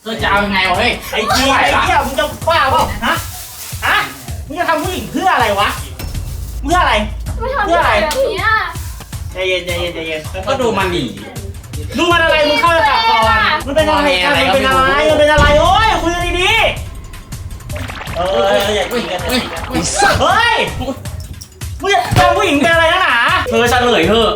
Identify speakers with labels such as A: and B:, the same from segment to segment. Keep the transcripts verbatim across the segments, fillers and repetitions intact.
A: อจะเอายังไงวะเฮ้ย
B: ไอ้เหี้ยไอ้เหี้ยมึงจะบ้าเปล่าฮะฮะมึงจะทำผู้หญิงเพื่ออะไรวะเพื่ออะไร
C: ไม่ทำอะไรแบบนี้
B: ใจเย็นใจเย็นใจเย็น
A: ก็ดูมันดิ
B: ดูมันอะไรมึงเข้าไปก่อนมันเป็นอะไรกันมันเป็นอะไรมันเป็นอะไรโอ้ยคุยกันดีๆเอออย่าคุยกันเฮ้ยเฮ้ยมึงจะทำผู้หญิงเป็นอะไรนะหนา
A: เธอเฉลยเถอะ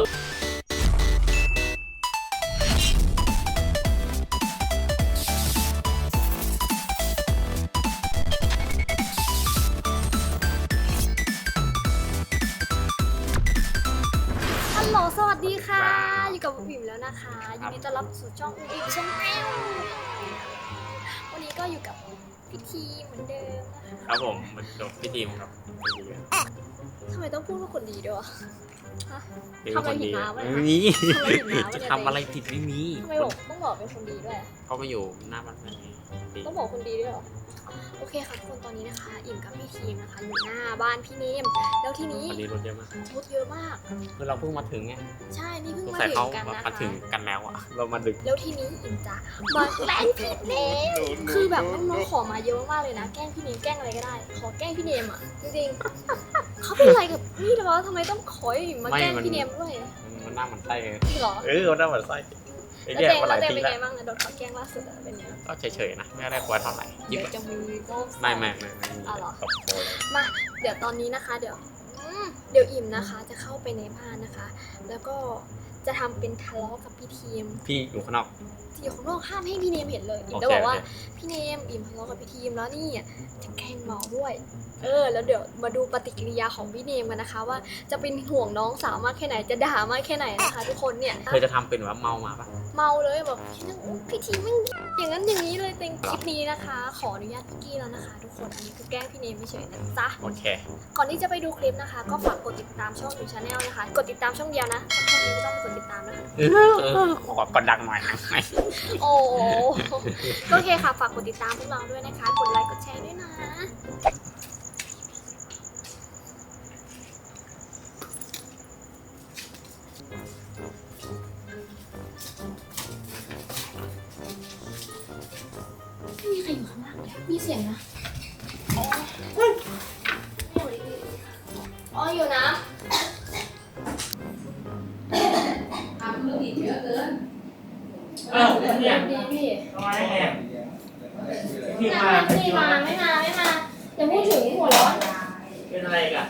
C: ฮัลโหลสวัสดีค่ะอยู่กับบิ่มแล้วนะคะยินดีต้อนรับสู่ช่องอีกช่องแอลวันนี้ก็อยู่กับพี่ทีเหมือนเดิมนะคะ
A: ครับผมมันจบพี่ทีมครับ
C: ทำไมต้องพูดว่าคนดีด้วยวะ
A: ทำอะไรผิดมาไม่มีจะทำอะไรผิดไม่มี
C: ทำไมบอกต้องบอกเป็นคนดีด้วย
A: เขาไปอยู่หน้าบ้าน
C: ต้องบอกคนดีด้วยเหรอโอเคค่ะทุกคนตอนนี้นะคะอิ่มกับพี่ทีมนะคะอยู่หน้าบ้านพี่เนมแล้วทีนี้
A: วันนี้รถเยอะมาก
C: รถเยอะมาก
A: คือเราเพิ่งมาถึงไง
C: ใช่นี่เพิ่งมาถึงกันนะคะ
A: มาถึงกันแล้วอะเรามาดึก
C: แล้วทีนี้อิ่มจะมาแกล้งพี่เนมคือแบบน้องๆขอมาเยอะมากเลยนะแกล้งพี่เนมแกล้งอะไรก็ได้ขอแกล้งพี่เนมอ่ะจริงๆเขาเป็นอะไรกับนี่แต่ว่าทำไมต้องขออิ่มมาแกล้งพี่เนมด้วย
A: มันหน้ามันไส้เลย
C: หรอ
A: เออมันหน้ามันไส้
C: แล้วเต้แล้วเต้เป็นไงบ้างนะโดนเขาแกล้งล่าสุดเป็นไง
A: ก็เฉยๆนะไม่ได้กลัวเท่าไหร่
C: เดี๋ยวจะมีก็
A: ไม่ไม่ไม่ไม่
C: อ๋อเหรอมาเดี๋ยวตอนนี้นะคะเดี๋ยวเดี๋ยวอิ่มนะคะจะเข้าไปในบ้านนะคะ แล้วก็จะทำเป็นทะเลาะกับพี่ทีม
A: พี่อยู่ข้างนอก
C: อยู่ข้างนอกห้ามให้พี่เนมเห็นเลยอิ่มจะบอกว่าพี่เนมอิ่มทะเลาะกับพี่ทีมแล้วนี่จะแกล้งเมาด้วยเออแล้วเดี๋ยวมาดูปฏิกิริยาของพี่เนมกันนะคะว่าจะเป็นห่วงน้องสาวมากแค่ไหนจะด่ามากแค่ไหนนะคะทุกคนเนี่ย
A: เธอจะทำเป็นว่าเมามาปะ
C: เมาเลยแบบพี่ทีมไม่อย่างนั้นอย่างนี้เลยเต็มคลิปนี้นะคะขออนุญาตพี่กี้แล้วนะคะทุกคนอันนี้คือแกล้งพี่เนมไม่เฉยนะจ๊ะ
A: โอเค
C: ก่อนที่จะไปดูคลิปนะคะก็ฝากกดติดตามช่องยูชาแนลนะคะกดติดตามช่องเดียวนะช่องนี้ไม่ต้องกดติดตามนะคะ
A: ขอกดดังหน่อยนะ
C: โอ้โอเคค่ะฝากกดติดตามพวกเราด้วยนะคะกดไลค์กดแชร์ด้วยนะไม่มีใครอยู่ข้างล่างเลยมีเสียงนะอ๋ออยู่นะทำมือดีเยอะเกิน
B: เออเนี่ย
C: ดีพี่
B: ทำไมแอบ
C: พี่มาพี่มาไม่มาไม่มาอย่าพูดถึงหัวร้อน
B: เป็นอะไรกัน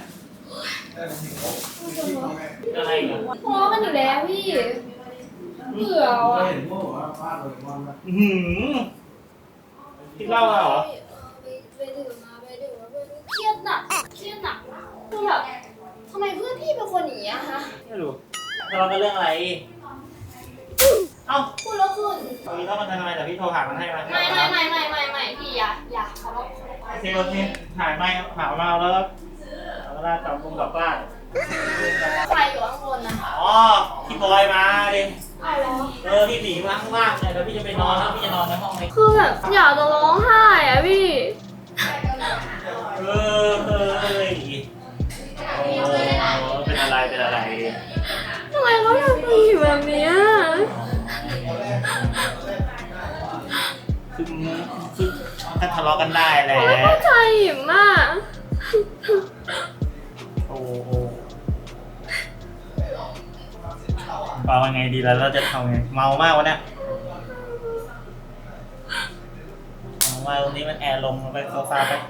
B: เป็นอะไรกัน
C: พอกันอยู่แล้วพี่เบื่ออ่ะ
B: หืมคิดเล่าเหรอ
C: ไปดื่มมาไปดื่มมาเครียดหนักเครียดหนักคือแบบทำไมเพื่อนพี่เป็นคนอย่างนี้อะคะ
B: ไม่รู้ทะเลาะกันเรื่องอะไรเอ้า
C: พูดแล้วขึ้น
B: ตอนนี้ต้องมาทำไมแต่พี่โทรหามันให้มา
C: ไม่ไม่ไม่ไม่ไม่ไม่พี่อย่าอย่าขอร้อง
B: เซลล์นี่ถ่ายไม่หามาแล้วแล้วก็ได้กลับกรุงกลับบ้าน
C: ใครอยู่ข้างบนนะ
B: อ๋อพี่บอยมาดิ
C: เอาแล้ว
B: เออพี่หนีมาข้างล่างเลยแล้วพี่จะไปนอนแล้วพี่จะนอนในห้องนี้
C: คือแบบอยากจะร้องไห้อะพี่
B: เออเออเออโอ้เป็นอะไรเป็นอะไร
C: ทำไมเขาทำตัวแบบนี้
B: คือคือถ้าทะเลาะกันได้แหละ
C: ไม่เข้าใจหิมมาก
B: โอ้โหเมาไงดีแล้วเราจะทำไงเมามากวะเนี่ยเมามาตรงนี้มันแอร์ลงไปโซฟาไป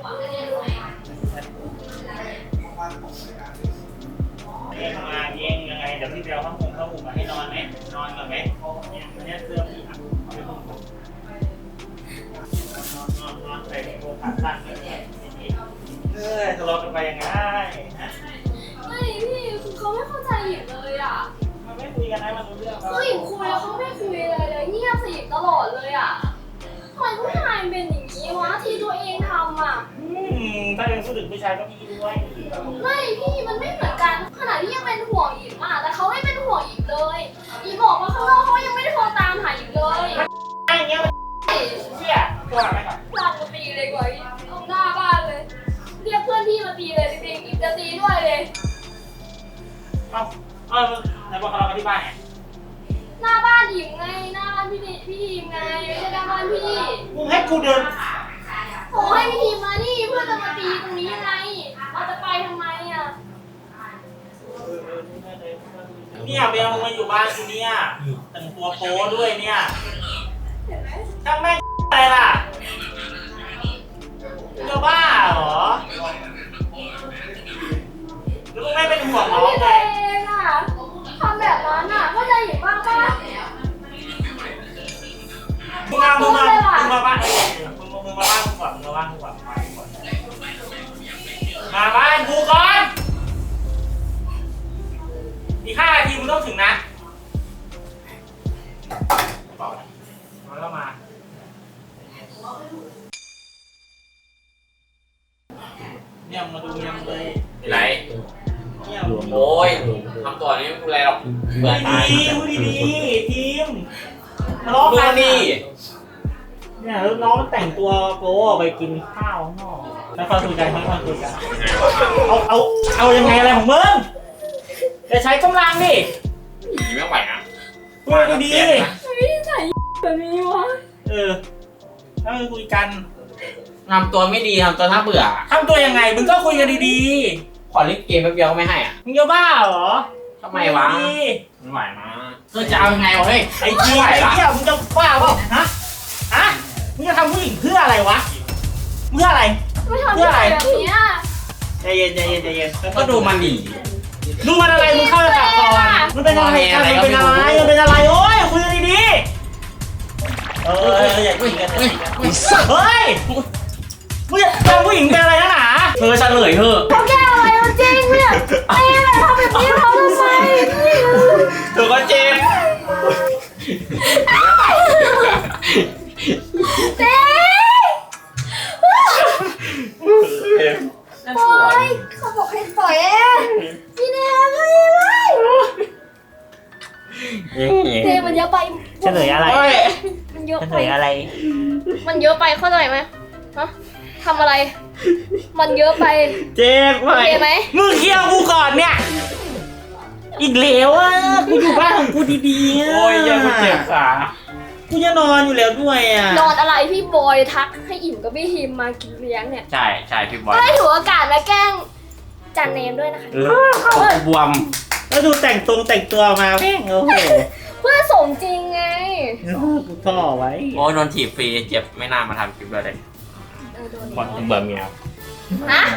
B: เองมาเองยังไงเดี๋ยวพี่เบลเขาคงเขาอุ่นมาให้นอนไหมนอนก่อนไหมเนี่ยอันนี้เสื้อพี่อ่ะเอาไปพุ่งนอนนอนนอนใส่โบขาสั้นแบบนี้เออทะเลาะกันไปยังไงฮะ
C: ไม่พี่คือเขาไม่เข้าใจหยิบเลยอ่ะ
B: มันไม่คุยกันนะมันรู้เรื่อง
C: เขาหยิบคุยแล้วเขาไม่คุยเลยเลยเงียบสยิบตลอดเลยอ่ะทำไมผู้ชายเป็นอย่างนี้วะที่ตัวเองทำอ่ะ
B: อืมถ้ายังพูดถึงผู้ชายก็พี่ด้วย
C: ไม่พี่มันไม่เหมือนกันขนาดที่ยังเป็นห่วงหยิบอ่ะแต่เขาไม่เป็นห่วงหยิบเลยอีบอกว่าข้างนอกเขายังไม่ได้โทรตามหาหยิบเลย
B: ไอ้เงี้ยมันเชี่ยตัวอะไรก่อน
C: ลากมาตีเลยกว่าเอาหน้าบ้านเลยเรียกเพื่อนพี่มาตีเลยจริงๆอีกจะตีด้วยเลย
B: เอ้าเออไหนบอกเรากันที่บ้านไง
C: หน้าบ้านอิ่มไงหน้าบ้านพี่เนพี่ทีมไงไม่ใช่หน้าบ้านพี่
B: มึงให้กูเดิน
C: โอ้ให้พี่ทีมมานี่เพื่อจะมาตีตรงนี้ยังไงเราจะไปทำไมอ่ะ
B: เนี่ยเบลมึงมาอยู่บ้านกูเนี่ยแต่งตัวโป๊ด้วยเนี่ยช่างแม่งอะไรล่ะจะบ้าเหรอแล้วมึงไม่เป็นห่วงน้อง
C: พี่
B: ไง
C: เองอ่ะทำแบบนั้นอ่ะเข้าใจอยู่บ้างป่ะ
B: มึงมามึงมามึงมาบ้านมึงมึงมาบ้านกูก่อนมึงมาบ้านกูก่อนมาบ้านกูก่อนอีกห้านาทีมึงต้องถึงนะบอกมาแล้วมาเนี่ยมาดูยังเลย
A: ไร
B: เนี่ย
A: โอ้ยทำตัวนี้ไม่เป็นไรหรอกเบื่อตาย
B: ดีพูดดีๆทีมทะเลาะ
A: ดู
B: กัน
A: นี่
B: เนี่ยแล้วน้องแต่งตัวโป๊ไปกินข้าวข้างนอกแล้วค่อยคุยกันค่อยคุยกันเอาเอาเอายังไงอะไรของมึงจะใช้กำลังดิ
A: นี่ไม่ไหวนะ
B: พูดดี
C: ไม่ได้ใส่แบบนี้วะ
B: ๆเออแล้วคุยกัน
A: ทำตัวไม่ดีทำตัวน่าเบื่อ
B: ทำตัวยังไงมึงก็คุยกันดี
A: ขอเล่นเกมแป๊บเดียวก็ไม่ให้อ่ะ
B: ๆมึงจะบ้าเหรอ
A: ทำไมวะ
B: ดี
A: ไม่ไหวนะเธอจะเอายังไงวะเฮ้ย
B: ไอ้จี
A: ไม่ไหว
B: ไอ้
A: ละ
B: เหี้ยมึงจะบ้าเปล่าฮะฮะมึงจะทำผู้หญิงเพื่ออะไรวะเพื่ออะไร
C: ไม่ทำแบบนี้
B: ใจเย็นใจเย็นใจเย็น
A: ก็ดูมันดี
B: ดูมันอะไรมึงเข้าไปตัดก่อนมันเป็นอะไรกันมันเป็นอะไรมันเป็นอะไรโอ้ยคุยกันดีๆเอออยากคุยกันเฮ้ยเฮ้ยมึงจะทำผู้หญิงเป็นอะไรนักหนา
A: เธอเฉลยเถอะ
C: เขาแก้อะไรมันจริงเนี่ยไอ้อะไรทำแบบนี้เขาทำไม
A: เธอก็เจ็บ
C: เจ๊ปล่อยเขาบอกให้ปล่อยเองพี่เนมไม่ไม่เจมันเยอะไป
B: เฉลยอะไร
C: มันเยอะ
B: เฉ
C: ไป
B: ลยอะไร
C: มันเยอะไปเข้าใจไหมฮะทำอะไร มันเยอะไป
B: เจ็บไหม
C: โอเคไหม
B: มึงเคลียร์กูก่อนเนี่ยอีกแล้วอ่ะกูอยู่บ้านของกูดีๆ
A: โอ้ยยังเจ็บขา
B: กูจะนอนอยู่แล้วด้วยอ่ะ
C: นอนอะไรพี่บอยทักให้อิ่มกับพี่ฮิมมากินเลี้ยงเนี่ย
A: ใช่ใช่พี่บอย
C: ก็ได้ถือโอกาสมาแกล้งจันเนมด้วยนะคะ
A: เออบวม
B: แล้วดูแต่งตรงแต่งตัวมาแม่งโอ้โห
C: เพื่อสมจริงไง
B: กูท่อไว้
A: โอ้ยโดนถีบฟรีเจ็บไม่น่ามาทำคลิปเลย
C: เออโดน
A: บอลเบื่อเมีย
C: ฮะ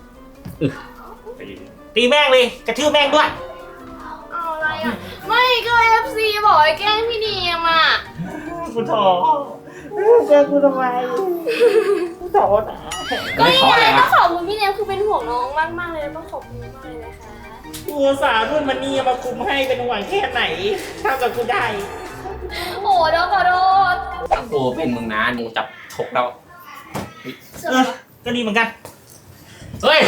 B: ตีแม่งเลยกระทืบแม่งด้วย
C: เอาอะไรอ่ะไม่ก็เอฟซีบอกให้แกล้งพี่เนมอ่ะ
B: กูท่อเจอกูทำไมกูท่อนะ
C: ก็ยังไงต้องขอบคุณพี่เนมคือเป็นห่วงน้องมากมากๆเลยต้องขอบคุณมากเลยนะคะ
B: กูอุตสาห์รุ่นมันนี่มาคุมให้เป็นห่วงแค่ไหนเท่ากับกูได้
C: โอ้เดี๋ยวขอโทษ
A: ถ้ากูเป็นมึงนะกูจับถกแล้ว
B: เออก็ดีเหมือนกัน
A: เฮ้ย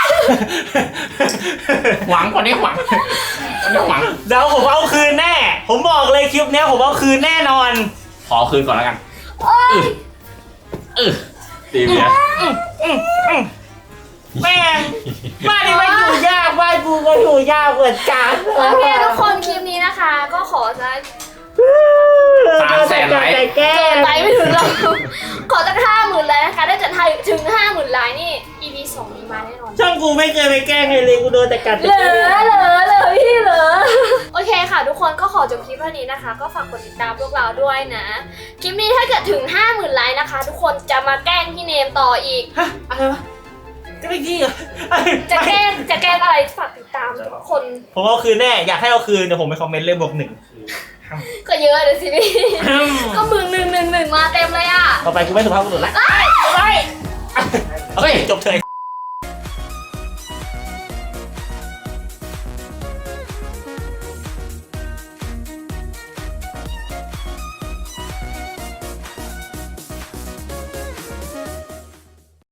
A: หวังคนนี้หวังคนนี้หวัง
B: เดี๋ยวผมเอาคืนแน่ ผมบอกเลยคลิปเนี้ยผมเอาคืนแน่นอน
A: ขอคืนก่อนแล้วกัน
C: โอ้ย
A: เออตีเมีย
B: อื้ออื้ออื้อแม่งบ้านนี้ไม่อยู่ยากบ้านกูก็อยู่ยากเหมือนกัน
C: โอเคทุกคนคลิปนี้นะคะ ก็ขอจะ
A: สามแสนไลค์
B: ใจแก้
C: เกินไปไม่ถึงหรอกขอตั้งห้าหมื่นไลค์นะคะถ้าจะถึงห้าหมื่นไลค์นี่ อี พี สองนี้มาแน่นอน
B: ช่องกูไม่เคยไปแกล้งใครเลยกูโดนแต่กัด
C: เหลือเหลือเหลือพี่เหลือโอเคค่ะทุกคนก็ขอจบคลิปเท่านี้นะคะ ก็ฝากกดติดตามพวกเราด้วยนะ คลิปนี้ถ้าเกิดถึงห้าหมื่นไลค์นะคะ ทุกคนจะมาแกล้งพี่เนมต่ออีก
B: ฮะอะไรวะก็ไม่กี้เหรอ
C: จะแกล้งจะแกล้งอะไรฝากติดตามทุกคน
B: ผมเอาคืนแน่อยากให้เอาคืนเดี๋ยวผมไปคอมเมนต์เลยบวกหนึ่ง
C: ก็เยอะเลยสิพี่ ก็มึงหนึ่งหนึ่งหนึ่งมาเต็มเลยอ่ะ
B: ต่อไปกูไม่สุภาพบุรุษละ
C: เอ้ย
B: ไป
A: เฮ้ย
B: จบเถอะ